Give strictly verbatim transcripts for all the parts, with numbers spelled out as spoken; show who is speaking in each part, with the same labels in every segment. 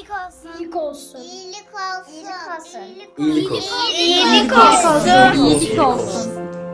Speaker 1: olsun.
Speaker 2: İyilik olsun.
Speaker 1: İyilik olsun.
Speaker 3: İyilik olsun.
Speaker 2: İyilik olsun. İyilik olsun.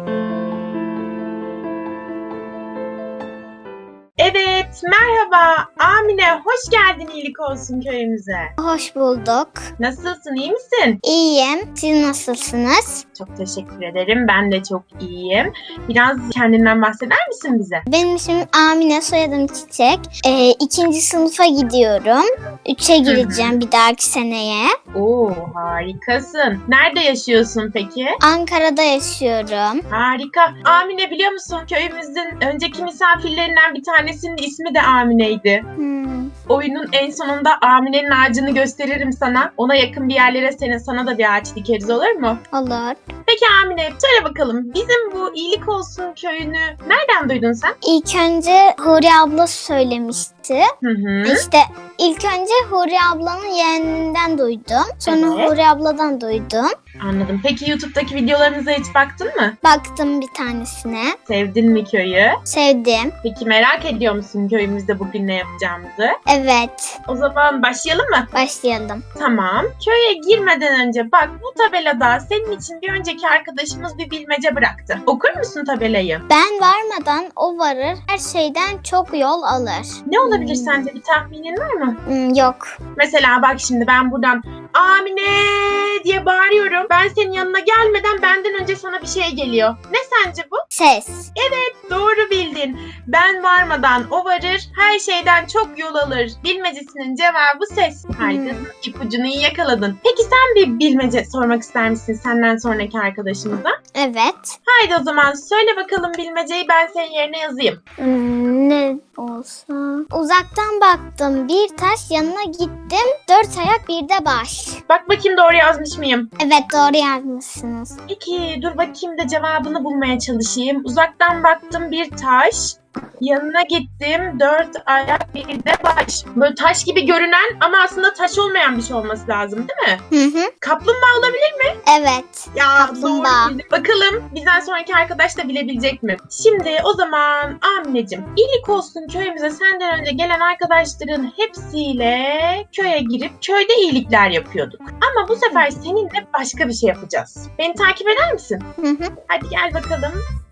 Speaker 4: Evet, merhaba. Amine, hoş geldin iyilik olsun köyümüze.
Speaker 1: Hoş bulduk.
Speaker 4: Nasılsın, iyi misin?
Speaker 1: İyiyim. Siz nasılsınız?
Speaker 4: Çok teşekkür ederim, ben de çok iyiyim. Biraz kendinden bahseder misin bize?
Speaker 1: Benim ismim Amine, soyadım Çiçek. Ee, ikinci sınıfa gidiyorum. Üçe gireceğim bir dahaki seneye.
Speaker 4: Oo, harikasın. Nerede yaşıyorsun peki?
Speaker 1: Ankara'da yaşıyorum.
Speaker 4: Harika. Amine, biliyor musun köyümüzün önceki misafirlerinden bir tanesinin ismi de Amine'ydi.
Speaker 1: Hmm.
Speaker 4: Oyunun en sonunda Amine'nin ağacını gösteririm sana. Ona yakın bir yerlere senin sana da bir ağaç dikeriz, olur mu?
Speaker 1: Olur.
Speaker 4: Peki Amine, söyle bakalım, bizim bu iyilik olsun köyünü nereden duydun sen?
Speaker 1: İlk önce Huri abla söylemişti.
Speaker 4: Hı hı.
Speaker 1: İşte ilk önce Huri ablanın yeğeninden duydum. Sonra
Speaker 4: Evet.
Speaker 1: Huri abladan duydum.
Speaker 4: Anladım. Peki YouTube'daki videolarınıza hiç baktın mı?
Speaker 1: Baktım bir tanesine.
Speaker 4: Sevdin mi köyü?
Speaker 1: Sevdim.
Speaker 4: Peki merak ediyor musun köyümüzde bugün ne yapacağımızı?
Speaker 1: Evet.
Speaker 4: O zaman başlayalım mı?
Speaker 1: Başlayalım.
Speaker 4: Tamam. Köye girmeden önce bak, bu tabelada senin için bir önceki arkadaşımız bir bilmece bıraktı. Okur musun tabelayı?
Speaker 1: Ben varmadan o varır, her şeyden çok yol alır.
Speaker 4: Ne olabilir sence? Bir tahminin var mı?
Speaker 1: Hmm, yok.
Speaker 4: Mesela bak, şimdi ben buradan Amine diye bağırıyorum. Ben senin yanına gelmeden benden önce sana bir şey geliyor. Ne sence bu?
Speaker 1: Ses.
Speaker 4: Doğru bildin. Ben varmadan o varır, her şeyden çok yol alır. Bilmecesinin cevabı ses. Harikasın. İpucunu iyi yakaladın. Peki sen bir bilmece sormak ister misin senden sonraki arkadaşımıza?
Speaker 1: Evet.
Speaker 4: Haydi o zaman söyle bakalım bilmeceyi, ben senin yerine yazayım.
Speaker 1: Hmm, ne olsa. Uzaktan baktım bir taş, yanına gittim dört ayak bir de baş.
Speaker 4: Bak bakayım doğru yazmış mıyım?
Speaker 1: Evet, doğru yazmışsınız.
Speaker 4: Peki dur bakayım da cevabını bulmaya çalışayım. Uzaktan baktım bir taş. Yanına gittim dört ayak bir de baş. Böyle taş gibi görünen ama aslında taş olmayan bir şey olması lazım, değil mi?
Speaker 1: Hı hı.
Speaker 4: Kaplumbağa olabilir mi?
Speaker 1: Evet.
Speaker 4: Ya
Speaker 1: Kaplumbağa.
Speaker 4: doğru bildim. Bakalım bizden sonraki arkadaş da bilebilecek mi? Şimdi o zaman Amineciğim, iyilik olsun köyümüze senden önce gelen arkadaşların hepsiyle köye girip köyde iyilikler yapıyorduk. Ama bu sefer seninle başka bir şey yapacağız. Beni takip eder misin?
Speaker 1: Hı hı.
Speaker 4: Hadi gel bakalım.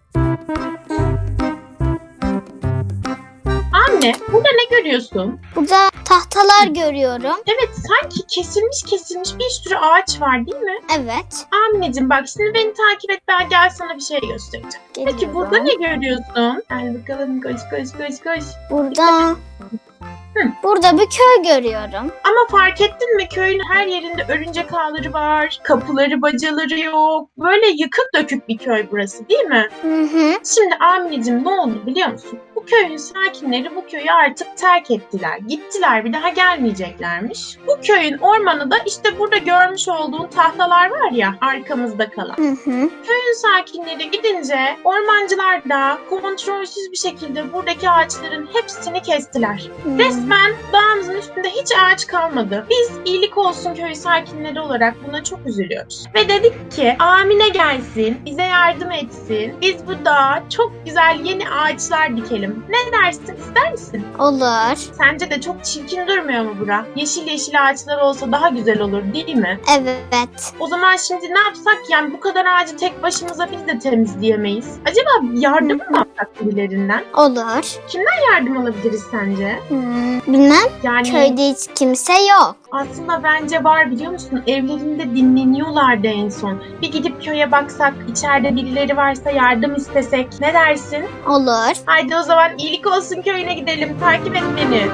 Speaker 4: Anne, burada ne görüyorsun?
Speaker 1: Burada tahtalar görüyorum.
Speaker 4: Evet, sanki kesilmiş kesilmiş bir sürü ağaç var, değil mi?
Speaker 1: Evet.
Speaker 4: Anneciğim bak, şimdi beni takip et, ben gel sana bir şey göstereceğim. Peki
Speaker 1: Geliyorum.
Speaker 4: burada ne görüyorsun? Gel bakalım, koş koş koş koş.
Speaker 1: Burada...
Speaker 4: Hı.
Speaker 1: Burada bir köy görüyorum.
Speaker 4: Ama fark ettin mi, köyün her yerinde örümcek ağları var, kapıları bacaları yok. Böyle yıkık dökük bir köy burası, değil mi?
Speaker 1: Hı hı.
Speaker 4: Şimdi Amineciğim, ne oldu biliyor musun? Bu köyün sakinleri bu köyü artık terk ettiler. Gittiler, bir daha gelmeyeceklermiş. Bu köyün ormanı da işte burada görmüş olduğun tahtalar var ya, arkamızda kalan.
Speaker 1: Hı hı.
Speaker 4: Köyün sakinleri gidince ormancılar da kontrolsüz bir şekilde buradaki ağaçların hepsini kestiler.
Speaker 1: Hmm.
Speaker 4: Resmen dağımızın üstünde hiç ağaç kalmadı. Biz iyilik olsun köyü sakinleri olarak buna çok üzülüyoruz. Ve dedik ki Amine gelsin, bize yardım etsin. Biz bu dağa çok güzel yeni ağaçlar dikelim. Ne dersin, ister misin?
Speaker 1: Olur.
Speaker 4: Sence de çok çirkin durmuyor mu bura? Yeşil yeşil ağaçlar olsa daha güzel olur, değil mi?
Speaker 1: Evet.
Speaker 4: O zaman şimdi ne yapsak, yani bu kadar ağacı tek başımıza biz de temizleyemeyiz. Acaba yardım mı alsak birilerinden?
Speaker 1: Olur.
Speaker 4: Yardım alabiliriz sence?
Speaker 1: Hmm, bilmem.
Speaker 4: Yani
Speaker 1: Köyde hiç kimse yok.
Speaker 4: aslında bence var, biliyor musun? Evlerinde dinleniyorlardı en son. Bir gidip köye baksak, içeride birileri varsa yardım istesek. Ne dersin?
Speaker 1: Olur.
Speaker 4: Haydi o zaman iyilik olsun köyüne gidelim. Takip et beni.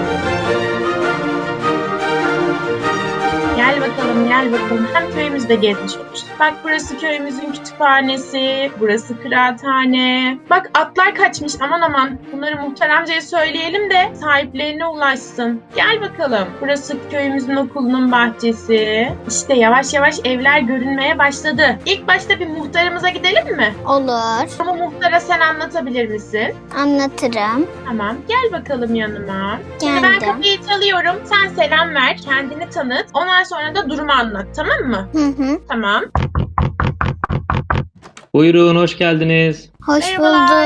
Speaker 4: Gel bakalım, gel bakalım. Hem köyümüzde gezmiş oluruz. Bak, burası köyümüzün kütüphanesi, burası kıraathane. Bak, atlar kaçmış, aman aman. Bunları muhtar amcaya söyleyelim de sahiplerine ulaşsın. Gel bakalım. Burası köyümüzün okulunun bahçesi. İşte yavaş yavaş evler görünmeye başladı. İlk başta bir muhtarımıza gidelim mi?
Speaker 1: Olur.
Speaker 4: Ama muhtara sen anlatabilir misin?
Speaker 1: Anlatırım.
Speaker 4: Tamam, gel bakalım yanıma. Şimdi ben
Speaker 1: Geldim.
Speaker 4: kapıyı çalıyorum. Sen selam ver, kendini tanıt. Ondan sonra da durumu anlat, tamam mı?
Speaker 1: Hı hı.
Speaker 4: Tamam.
Speaker 3: Buyurun, hoş geldiniz.
Speaker 1: Hoş
Speaker 4: Merhabalar,
Speaker 1: bulduk.
Speaker 4: hoş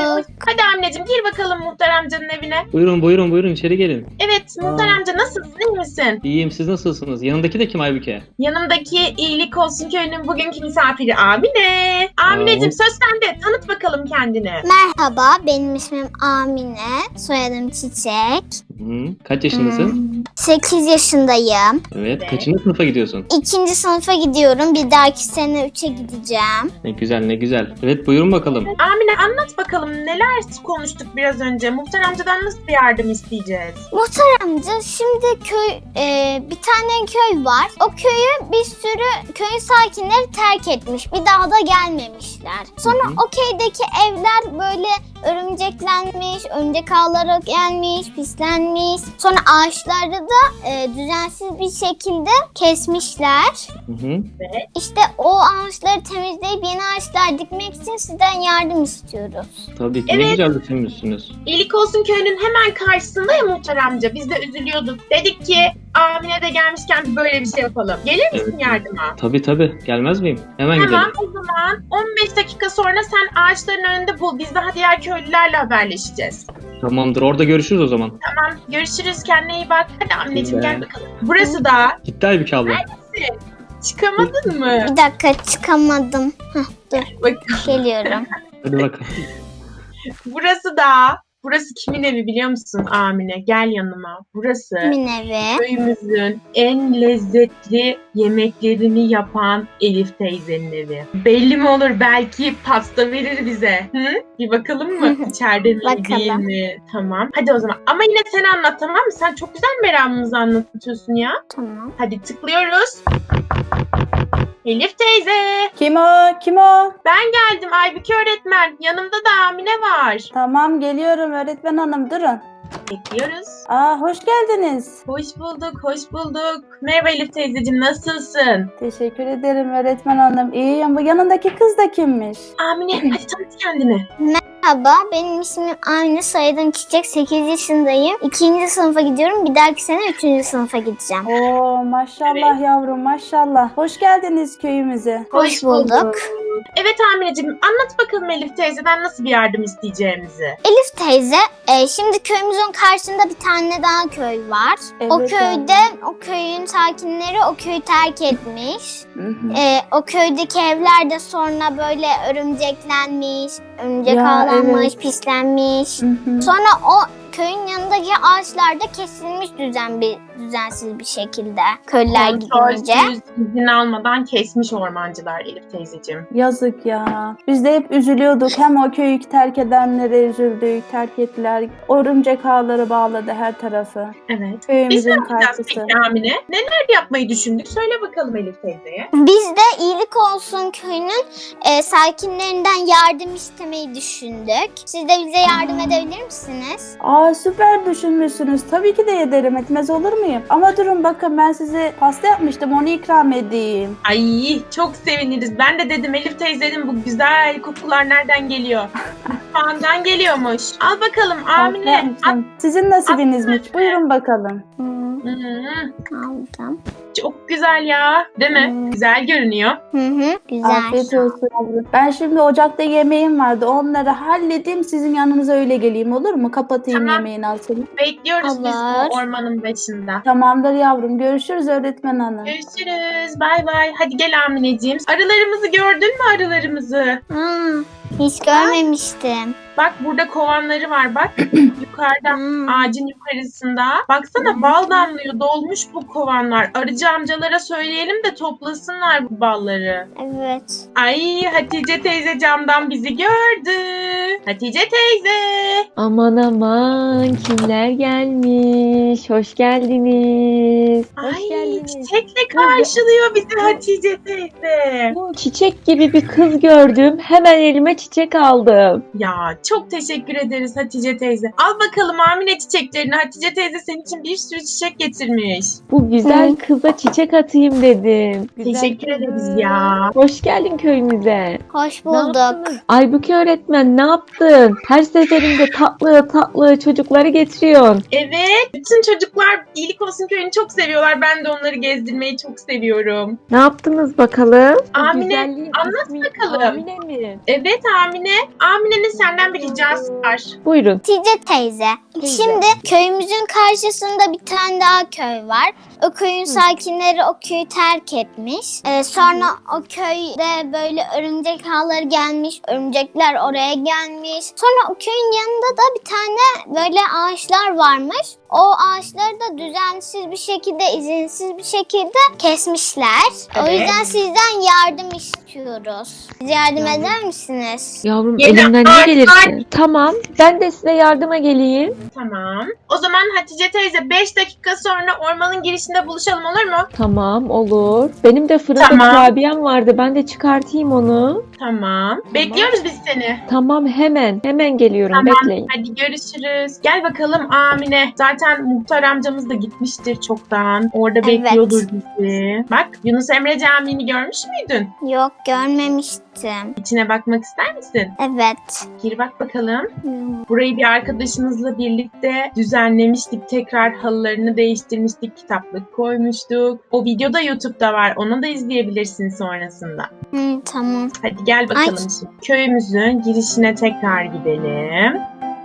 Speaker 4: Hadi Amineciğim gir bakalım muhtar amcanın evine.
Speaker 5: Buyurun buyurun buyurun içeri gelin.
Speaker 4: Evet muhtar
Speaker 5: Aa.
Speaker 4: amca nasılsın, iyi misin?
Speaker 5: İyiyim, siz nasılsınız? Yanındaki de kim Aybüke?
Speaker 4: Yanımdaki iyilik olsun köyünün bugünkü misafiri Amine. Amineciğim
Speaker 5: Aa.
Speaker 4: söz sende, tanıt bakalım kendini.
Speaker 1: Merhaba, benim ismim Amine. Soyadım Çiçek.
Speaker 5: Hı, kaç yaşındasın?
Speaker 1: sekiz yaşındayım.
Speaker 5: Evet.
Speaker 4: Evet.
Speaker 5: Kaçıncı sınıfa gidiyorsun?
Speaker 1: İkinci sınıfa gidiyorum. Bir dahaki sene üçe gideceğim.
Speaker 5: Ne güzel ne güzel. Evet buyurun bakalım.
Speaker 4: Amine anlat bakalım neler konuştuk biraz önce. Muhtar amcadan nasıl bir yardım isteyeceğiz?
Speaker 1: Muhtar amca, şimdi köy e, bir tane köy var. O köyü bir sürü köyün sakinleri terk etmiş. Bir daha da gelmemişler. Sonra
Speaker 5: Hı hı.
Speaker 1: o köydeki evler böyle örümceklenmiş, örümcek ağları gelmiş, pislenmiş. Sonra ağaçları da e, düzensiz bir şekilde kesmişler.
Speaker 5: Hı hı.
Speaker 1: İşte o ağaçları temizleyip yeni ağaçlar dikmek için sizden yardım istiyoruz.
Speaker 5: Tabii ki
Speaker 4: Evet.
Speaker 5: ne güzel düşünmüşsünüz.
Speaker 4: İyilik olsun köyünün hemen karşısında ya muhtar amca. Biz de üzülüyorduk. Dedik ki Amine de gelmişken böyle bir şey yapalım. Gelir misin
Speaker 5: Evet.
Speaker 4: yardıma?
Speaker 5: Tabii tabii. Gelmez miyim? Hemen
Speaker 4: Tamam
Speaker 5: gidelim.
Speaker 4: o zaman on beş dakika sonra sen ağaçların önünde bul. Biz daha diğer köylülerle haberleşeceğiz.
Speaker 5: Tamamdır. Orada görüşürüz o zaman.
Speaker 4: Tamam görüşürüz, kendine iyi bak. Hadi Amineciğim
Speaker 5: Güzel.
Speaker 4: gel bakalım. Burası da
Speaker 5: Gitti Aybüke abla.
Speaker 4: çıkamadın mı?
Speaker 1: Bir dakika, çıkamadım. Heh, dur,
Speaker 4: Bak
Speaker 1: geliyorum.
Speaker 5: Hadi bakalım.
Speaker 4: burası da burası kimin evi biliyor musun Amine? Gel yanıma. Burası
Speaker 1: Kimin evi?
Speaker 4: köyümüzün en lezzetli yemeklerini yapan Elif teyzenin evi. Belli mi olur, belki pasta verir bize. Hı? Bir bakalım mı? İçeride mi değil
Speaker 1: Bakalım.
Speaker 4: mi? Tamam. Hadi o zaman. Ama yine sen anlat, tamam mı? Sen çok güzel meramımızı anlatıyorsun ya.
Speaker 1: Tamam.
Speaker 4: Hadi tıklıyoruz. Elif teyze.
Speaker 2: Kim o? Kim o?
Speaker 4: Ben geldim Aybüke öğretmen. Yanımda da Amine var.
Speaker 2: Tamam geliyorum öğretmen hanım durun.
Speaker 4: Bekliyoruz.
Speaker 2: Aa hoş geldiniz.
Speaker 4: Hoş bulduk, hoş bulduk. Merhaba Elif teyzeciğim, nasılsın?
Speaker 2: Teşekkür ederim öğretmen hanım. İyiyim. Bu yanındaki kız da kimmiş?
Speaker 4: Amine, hadi tanıt kendini.
Speaker 1: Merhaba, benim ismim Amine, soyadım Çiçek, sekiz yaşındayım. ikinci sınıfa gidiyorum, bir dahaki sene üçüncü sınıfa gideceğim.
Speaker 2: Oo maşallah yavrum maşallah. Hoş geldiniz köyümüze.
Speaker 1: Hoş bulduk.
Speaker 4: Evet Amineciğim, anlat bakalım Elif teyzeden nasıl bir yardım isteyeceğimizi.
Speaker 1: Elif teyze, e, şimdi köyümüzün karşısında bir tane daha köy var. o
Speaker 2: Evet,
Speaker 1: köyde, o köyün sakinleri o köyü terk etmiş.
Speaker 2: Hı hı.
Speaker 1: E, o köydeki evler de sonra böyle örümceklenmiş, örümcek
Speaker 2: Ya,
Speaker 1: ağlanmış,
Speaker 2: evet.
Speaker 1: pislenmiş.
Speaker 2: Hı hı.
Speaker 1: Sonra o köyün yanındaki ağaçlar da kesilmiş düzen bir düzensiz bir şekilde. Köylüler gidince.
Speaker 4: Kontrolsüz, izin almadan kesmiş ormancılar Elif teyzeciğim.
Speaker 2: Yazık ya. Biz de hep üzülüyorduk. Hem o köyü terk edenlere üzüldük, terk ettiler. Örümcek ağları bağladı her tarafı.
Speaker 4: Evet. Biz ne
Speaker 2: Köyümüzün
Speaker 4: yapacağız
Speaker 2: karşısı.
Speaker 4: peki Amine? Neler yapmayı düşündük? Söyle bakalım Elif teyzeye.
Speaker 1: Biz de iyilik olsun köyünün e, sakinlerinden yardım istemeyi düşündük. Siz de bize yardım edebilir misiniz?
Speaker 2: Aa süper düşünmüşsünüz. Tabii ki de ederim. Etmez olur muyum? Ama durun bakın ben size pasta yapmıştım. Onu ikram edeyim.
Speaker 4: Ay çok seviniriz. Ben de dedim Elif teyzenin bu güzel kokular nereden geliyor? Mutfağından geliyormuş. Al bakalım
Speaker 2: Pasta
Speaker 4: Amine.
Speaker 2: yapmıştım. Sizin nasibinizmiş. Buyurun bakalım.
Speaker 1: Hmm,
Speaker 4: Hı hı.
Speaker 1: aldım.
Speaker 4: Çok güzel ya. Değil mi?
Speaker 1: Hmm.
Speaker 4: Güzel görünüyor.
Speaker 1: Hı hı, güzel.
Speaker 2: Afiyet olsun yavrum. Ben şimdi ocakta yemeğim vardı. Onları halledeyim. Sizin yanınıza öyle geleyim olur mu? Kapatayım
Speaker 4: Tamam.
Speaker 2: yemeğin altını.
Speaker 4: Bekliyoruz biz
Speaker 1: Olur.
Speaker 4: bu ormanın başında.
Speaker 2: Tamamdır yavrum. Görüşürüz öğretmen hanım.
Speaker 4: Görüşürüz. Bay bay. Hadi gel Amineciğim. Arılarımızı gördün mü arılarımızı?
Speaker 1: Aa, hiç görmemiştim.
Speaker 4: Bak burada kovanları var bak. Yukarıda
Speaker 1: Hmm.
Speaker 4: ağacın yukarısında. Baksana bal damlıyor. Dolmuş bu kovanlar. Arıcı amcalara söyleyelim de toplasınlar bu balları.
Speaker 1: Evet.
Speaker 4: Ay Hatice teyze camdan bizi gördü. Hatice teyze.
Speaker 6: Aman aman kimler gelmiş? Hoş geldiniz. Hoş
Speaker 4: Ay
Speaker 6: geldiniz.
Speaker 4: çiçekle karşılıyor bizi Hatice teyze.
Speaker 6: Bu çiçek gibi bir kız gördüm. Hemen elime çiçek aldım.
Speaker 4: Ya çok teşekkür ederiz Hatice teyze. Al bakalım Amine çiçeklerini. Hatice teyze senin için bir sürü çiçek getirmiş.
Speaker 6: Bu güzel kıza çiçek atayım dedim. Güzel
Speaker 4: Teşekkür
Speaker 6: kızım.
Speaker 4: ederiz ya.
Speaker 6: Hoş geldin köyümüze.
Speaker 1: Hoş
Speaker 6: Ne
Speaker 1: bulduk.
Speaker 6: yaptınız? Aybüke öğretmen ne yaptın? Her seferinde tatlı tatlı çocukları getiriyorsun.
Speaker 4: Evet. Bütün çocuklar iyilik olsun köyünü çok seviyorlar. Ben de onları gezdirmeyi çok seviyorum.
Speaker 6: Ne yaptınız bakalım? Bu
Speaker 4: Amine,
Speaker 6: güzelliğin
Speaker 4: anlat
Speaker 6: ismi
Speaker 4: bakalım.
Speaker 6: Amine mi?
Speaker 4: Evet Amine. Amine'nin senden bir ricası var.
Speaker 6: Buyurun.
Speaker 1: Hatice teyze.
Speaker 6: Teyze.
Speaker 1: Şimdi köyümüzün karşısında bir tane daha köy var. O köyün sakinleri o köyü terk etmiş. Ee, sonra o köyde böyle örümcek ağları gelmiş. Örümcekler oraya gelmiş. Sonra o köyün yanında da bir tane böyle ağaçlar varmış. O ağaçları da düzensiz bir şekilde, izinsiz bir şekilde kesmişler. O
Speaker 4: Evet.
Speaker 1: yüzden sizden yardım istiyoruz. Siz yardım eder misiniz?
Speaker 6: Yavrum
Speaker 4: Yeni
Speaker 6: elimden ne
Speaker 4: ağaçlar-
Speaker 6: gelirse. Tamam. Ben de size yardıma geleyim.
Speaker 4: Tamam. O zaman Hatice teyze beş dakika sonra ormanın girişinde buluşalım, olur mu?
Speaker 6: Tamam, olur. Benim de fırında
Speaker 4: Tamam.
Speaker 6: kurabiyem vardı. Ben de çıkartayım onu.
Speaker 4: Tamam. Bekliyoruz biz seni.
Speaker 6: Tamam, hemen. Hemen geliyorum.
Speaker 4: Tamam.
Speaker 6: Bekleyin.
Speaker 4: Hadi görüşürüz. Gel bakalım Amine. Zaten muhtar amcamız da gitmiştir çoktan. Orada
Speaker 1: Evet.
Speaker 4: bekliyordur bizi. Bak, Yunus Emre Camii'ni görmüş müydün?
Speaker 1: Yok, görmemiştim.
Speaker 4: İçine bakmak ister misin?
Speaker 1: Evet.
Speaker 4: Gir bak bakalım. Burayı bir arkadaşımızla birlikte düzenlemiştik. Tekrar halılarını değiştirmiştik. Kitaplık koymuştuk. O video da YouTube'da var. Onu da izleyebilirsin sonrasında.
Speaker 1: Hı, tamam.
Speaker 4: Hadi gel bakalım
Speaker 1: Ay.
Speaker 4: şimdi. Köyümüzün girişine tekrar gidelim.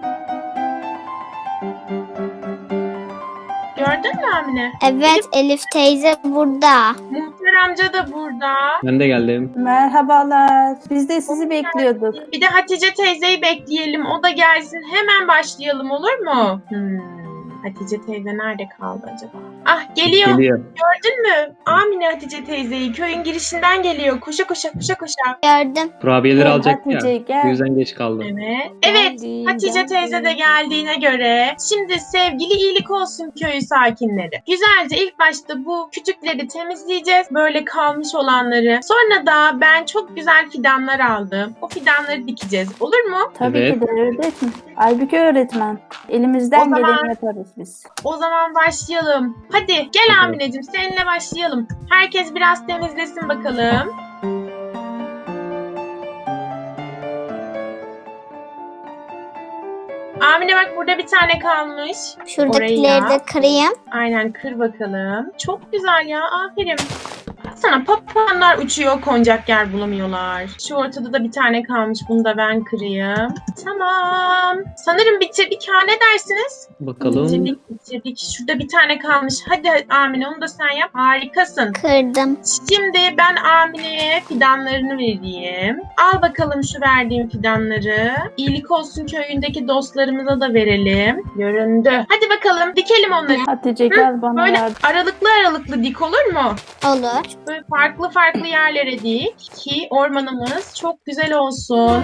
Speaker 4: Gördün mü Amine?
Speaker 1: Evet, Elif teyze burada.
Speaker 4: Muhtar amca da burada.
Speaker 5: Ben de geldim.
Speaker 2: Merhabalar. Biz de sizi bekliyorduk.
Speaker 4: Bir de Hatice teyzeyi bekleyelim. O da gelsin. Hemen başlayalım, olur mu? Hmm. Hatice teyze nerede kaldı acaba? Ah, geliyor.
Speaker 5: Geliyor.
Speaker 4: Gördün mü? Amine Hatice teyzeyi köyün girişinden geliyor. Koşa koşa koşa koşa.
Speaker 1: Gördüm.
Speaker 5: Kurabiyeleri
Speaker 2: Gel
Speaker 5: alacak
Speaker 2: Hatice,
Speaker 5: ya.
Speaker 2: gel.
Speaker 5: Bu yüzden geç kaldı.
Speaker 4: Evet. Evet.
Speaker 6: Geldim,
Speaker 4: Hatice
Speaker 6: geldim.
Speaker 4: teyze de geldiğine göre şimdi sevgili iyilik olsun köyü sakinleri. Güzelce ilk başta bu küçükleri temizleyeceğiz. Böyle kalmış olanları. Sonra da ben çok güzel fidanlar aldım. O fidanları dikeceğiz. Olur mu?
Speaker 2: Tabii
Speaker 5: Evet.
Speaker 2: ki de öğretmen. Aybüke öğretmen. Elimizden
Speaker 4: O zaman-
Speaker 2: geleni yaparız biz.
Speaker 4: O zaman başlayalım. Hadi gel
Speaker 5: Hadi.
Speaker 4: Amineciğim, seninle başlayalım. Herkes biraz temizlesin bakalım. Amine bak, burada bir tane kalmış.
Speaker 1: Şuradakileri
Speaker 4: Oraya.
Speaker 1: de kırayım.
Speaker 4: Aynen, kır bakalım. Çok güzel ya, aferin. Sana papağanlar uçuyor, konacak yer bulamıyorlar. Şu ortada da bir tane kalmış, bunu da ben kırayım. Tamam. Sanırım bitirdik ha, ne dersiniz?
Speaker 5: Bakalım.
Speaker 4: Bitirdik bitirdik. Şurada bir tane kalmış. Hadi Amine, onu da sen yap. Harikasın.
Speaker 1: Kırdım.
Speaker 4: Şimdi ben Amine'ye fidanlarını vereyim. Al bakalım şu verdiğim fidanları. İyilik olsun köyündeki dostlarımıza da verelim. Göründü. Hadi bakalım dikelim onları.
Speaker 2: Hatice gel bana
Speaker 4: Böyle
Speaker 2: yardım.
Speaker 4: aralıklı aralıklı dik, olur mu?
Speaker 1: Olur.
Speaker 4: Böyle farklı farklı yerlere dik ki ormanımız çok güzel olsun.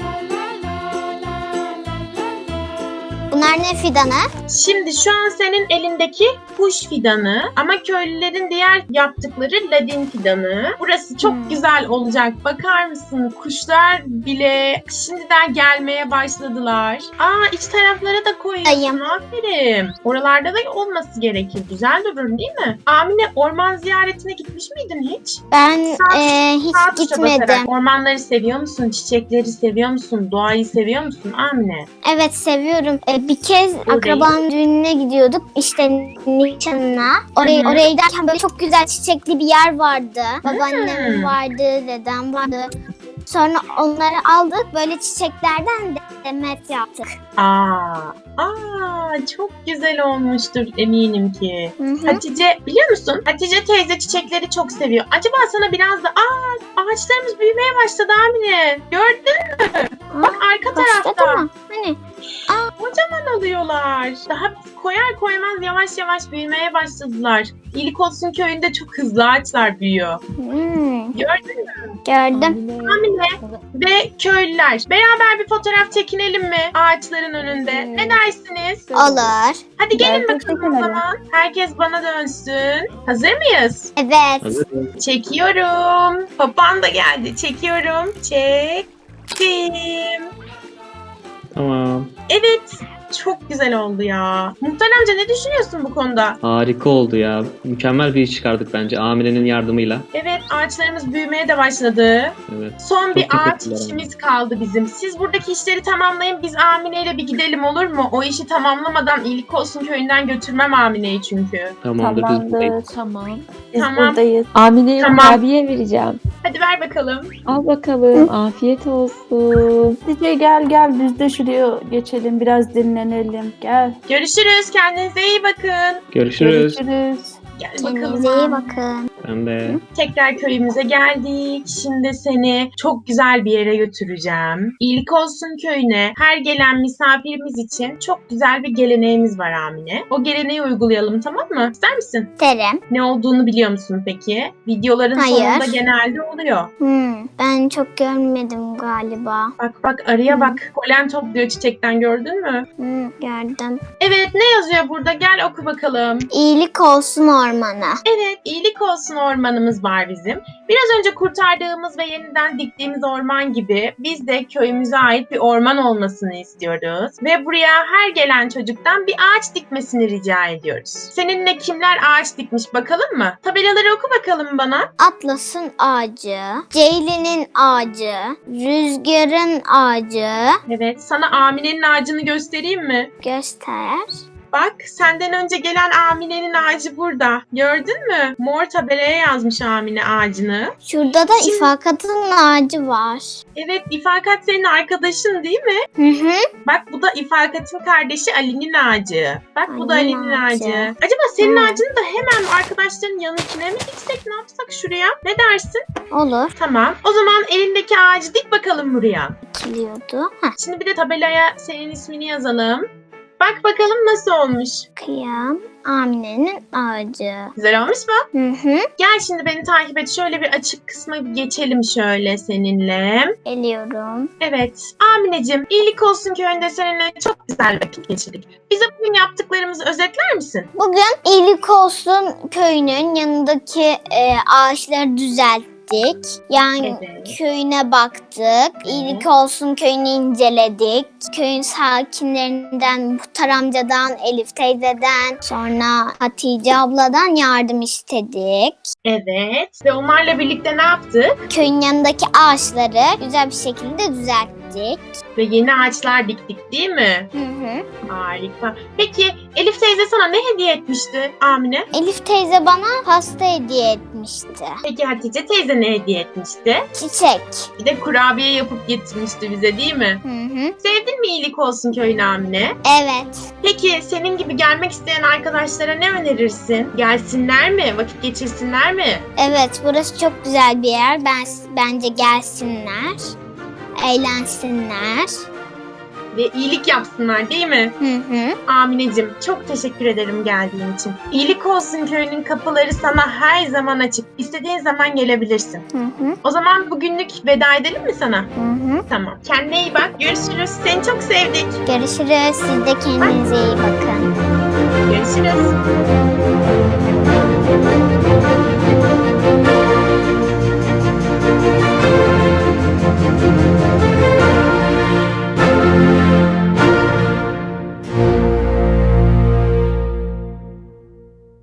Speaker 1: Bunlar ne fidanı?
Speaker 4: Şimdi şu an senin elindeki kuş fidanı ama köylülerin diğer yaptıkları ladin fidanı. Burası çok
Speaker 1: Hmm.
Speaker 4: güzel olacak. Bakar mısın? Kuşlar bile şimdiden gelmeye başladılar. Aa, iç taraflara da koyuyorsun.
Speaker 1: Ayım.
Speaker 4: Aferin. Oralarda da olması gerekir. Güzel durur değil mi? Amine, orman ziyaretine gitmiş miydin hiç?
Speaker 1: Ben
Speaker 4: Sağ-
Speaker 1: e, hiç
Speaker 4: Sağ tuşa basarak.
Speaker 1: gitmedim.
Speaker 4: Ormanları seviyor musun? Çiçekleri seviyor musun? Doğayı seviyor musun Amine?
Speaker 1: Evet, seviyorum. E, bir kez akrabanın düğününe gidiyorduk. İşte nişanına. Oraya,
Speaker 4: Hı hı.
Speaker 1: oraya giderken böyle çok güzel çiçekli bir yer vardı. Babaannem
Speaker 4: Hı.
Speaker 1: vardı, dedem vardı. Sonra onları aldık. Böyle çiçeklerden demet yaptık.
Speaker 4: Aa, aa, çok güzel olmuştur eminim ki.
Speaker 1: Hı hı.
Speaker 4: Hatice, biliyor musun? Hatice teyze çiçekleri çok seviyor. Acaba sana biraz da aa, ağaçlarımız büyümeye başladı Amine. Gördün mü? Bak arka
Speaker 1: Başladı
Speaker 4: tarafta.
Speaker 1: mı? Hani?
Speaker 4: Kocaman oluyorlar. Daha biz koyar koymaz yavaş yavaş büyümeye başladılar. İyilik olsun köyünde çok hızlı ağaçlar büyüyor.
Speaker 1: Hmm,
Speaker 4: Gördün mü?
Speaker 1: gördüm.
Speaker 4: Amine ve köylüler. Beraber bir fotoğraf çekinelim mi ağaçların önünde? Ne dersiniz?
Speaker 1: Olur.
Speaker 4: Hadi gelin
Speaker 2: Bence
Speaker 4: bakalım o
Speaker 2: çekinelim.
Speaker 4: zaman. Herkes bana dönsün. Hazır mıyız?
Speaker 1: Evet.
Speaker 5: Hazır.
Speaker 4: Çekiyorum. Papağan da geldi. Çekiyorum. Çektim.
Speaker 5: Tamam.
Speaker 4: Evet. Çok güzel oldu ya. Muhtar amca, ne düşünüyorsun bu konuda?
Speaker 5: Harika oldu ya. Mükemmel bir iş çıkardık bence Amine'nin yardımıyla.
Speaker 4: Evet, ağaçlarımız büyümeye de başladı.
Speaker 5: Evet.
Speaker 4: Son bir
Speaker 5: Çok
Speaker 4: ağaç
Speaker 5: teşekkürler.
Speaker 4: işimiz kaldı bizim. Siz buradaki işleri tamamlayın. Biz Amine ile bir gidelim, olur mu? O işi tamamlamadan iyilik olsun köyünden götürmem Amine'yi çünkü.
Speaker 5: Tamamdır, biz buradayız.
Speaker 2: Tamamdır.
Speaker 6: Tamam.
Speaker 2: Biz
Speaker 4: Tamam.
Speaker 2: buradayız.
Speaker 6: Amine'ye
Speaker 4: Tamam.
Speaker 6: kurabiye vereceğim.
Speaker 4: Hadi ver bakalım.
Speaker 6: Al bakalım. Afiyet olsun.
Speaker 2: Hatice gel gel biz de şuraya geçelim biraz dinlenelim. Gel.
Speaker 4: Görüşürüz. Kendinize iyi bakın.
Speaker 5: Görüşürüz.
Speaker 2: Görüşürüz.
Speaker 4: Gel
Speaker 1: Kendinize iyi
Speaker 4: bakalım.
Speaker 1: bakın.
Speaker 5: Ben de.
Speaker 4: Tekrar köyümüze geldik. Şimdi seni çok güzel bir yere götüreceğim. İyilik Olsun Köyü'ne her gelen misafirimiz için çok güzel bir geleneğimiz var Amine. O geleneği uygulayalım, tamam mı? İster misin?
Speaker 1: Derim.
Speaker 4: Ne olduğunu biliyor musun peki? Videoların
Speaker 1: Hayır.
Speaker 4: sonunda genelde oluyor.
Speaker 1: Hmm, ben çok görmedim galiba.
Speaker 4: Bak bak arıya bak. Polen topluyor çiçekten, gördün mü?
Speaker 1: Hmm, gördüm.
Speaker 4: Evet, ne yazıyor burada? Gel oku bakalım.
Speaker 1: İyilik olsun ormana.
Speaker 4: Evet, iyilik olsun ormanımız var bizim. Biraz önce kurtardığımız ve yeniden diktiğimiz orman gibi biz de köyümüze ait bir orman olmasını istiyoruz. Ve buraya her gelen çocuktan bir ağaç dikmesini rica ediyoruz. Seninle kimler ağaç dikmiş bakalım mı? Tabelaları oku bakalım bana.
Speaker 1: Atlas'ın ağacı, Ceylin'in ağacı, Rüzgar'ın ağacı.
Speaker 4: Evet, sana Amine'nin ağacını göstereyim mi?
Speaker 1: Göster.
Speaker 4: Bak, senden önce gelen Amine'nin ağacı burada. Gördün mü? Mor tabelaya yazmış Amine ağacını.
Speaker 1: Şurada da
Speaker 4: Şimdi-
Speaker 1: İfakat'ın ağacı var.
Speaker 4: Evet, İfakat senin arkadaşın değil mi?
Speaker 1: Hı hı.
Speaker 4: Bak, bu da İfakat'ın kardeşi Ali'nin ağacı. Bak, bu da
Speaker 1: Ali'nin
Speaker 4: Ali'nin ağacı.
Speaker 1: ağacı.
Speaker 4: Acaba senin
Speaker 1: Hı.
Speaker 4: ağacını da hemen arkadaşların yanıkine mi diksek, ne yapsak şuraya? Ne dersin?
Speaker 1: Olur.
Speaker 4: Tamam. O zaman elindeki ağacı dik bakalım buraya.
Speaker 1: Dikiliyordu. Heh,
Speaker 4: Şimdi bir de tabelaya senin ismini yazalım. Bak bakalım nasıl olmuş.
Speaker 1: kıyam. Amine'nin ağacı.
Speaker 4: Güzel olmuş mu?
Speaker 1: Hı hı.
Speaker 4: Gel şimdi beni takip et. Şöyle bir açık kısma bir geçelim şöyle seninle.
Speaker 1: Geliyorum.
Speaker 4: Evet. Amineciğim, İyilik Olsun Köyü'nde seninle çok güzel vakit geçirdik. Bize bugün yaptıklarımızı özetler misin?
Speaker 1: Bugün İyilik Olsun köyünün yanındaki e, ağaçları düzelttik. Yani
Speaker 4: Evet.
Speaker 1: köyüne baktık. İyilik Olsun köyünü inceledik. Köyün sakinlerinden, Muhtar amcadan, Elif teyzeden, sonra Hatice abladan yardım istedik.
Speaker 4: Evet. Ve onlarla birlikte ne yaptık?
Speaker 1: Köyün yanındaki ağaçları güzel bir şekilde düzelttik.
Speaker 4: Ve yeni ağaçlar diktik değil mi?
Speaker 1: Hı hı.
Speaker 4: Harika. Peki Elif teyze sana ne hediye etmişti Amine?
Speaker 1: Elif teyze bana pasta hediye etmişti.
Speaker 4: Peki Hatice teyze ne hediye etmişti?
Speaker 1: Çiçek.
Speaker 4: Bir de kurabiye yapıp getirmişti bize değil mi?
Speaker 1: Hı hı.
Speaker 4: Sevdin mi İyilik Olsun Köyü'nü Amine?
Speaker 1: Evet.
Speaker 4: Peki senin gibi gelmek isteyen arkadaşlara ne önerirsin? Gelsinler mi? Vakit geçirsinler mi?
Speaker 1: Evet, burası çok güzel bir yer. Ben bence gelsinler, eğlensinler.
Speaker 4: Ve iyilik yapsınlar değil mi?
Speaker 1: Hı hı.
Speaker 4: Amineciğim, çok teşekkür ederim geldiğin için. İyilik Olsun Köyü'nün kapıları sana her zaman açık. İstediğin zaman gelebilirsin.
Speaker 1: Hı hı.
Speaker 4: O zaman bugünlük veda edelim mi sana?
Speaker 1: Hı hı.
Speaker 4: Tamam. Kendine iyi bak. Görüşürüz. Seni çok sevdik.
Speaker 1: Görüşürüz. Siz de kendinize iyi bakın.
Speaker 4: Görüşürüz.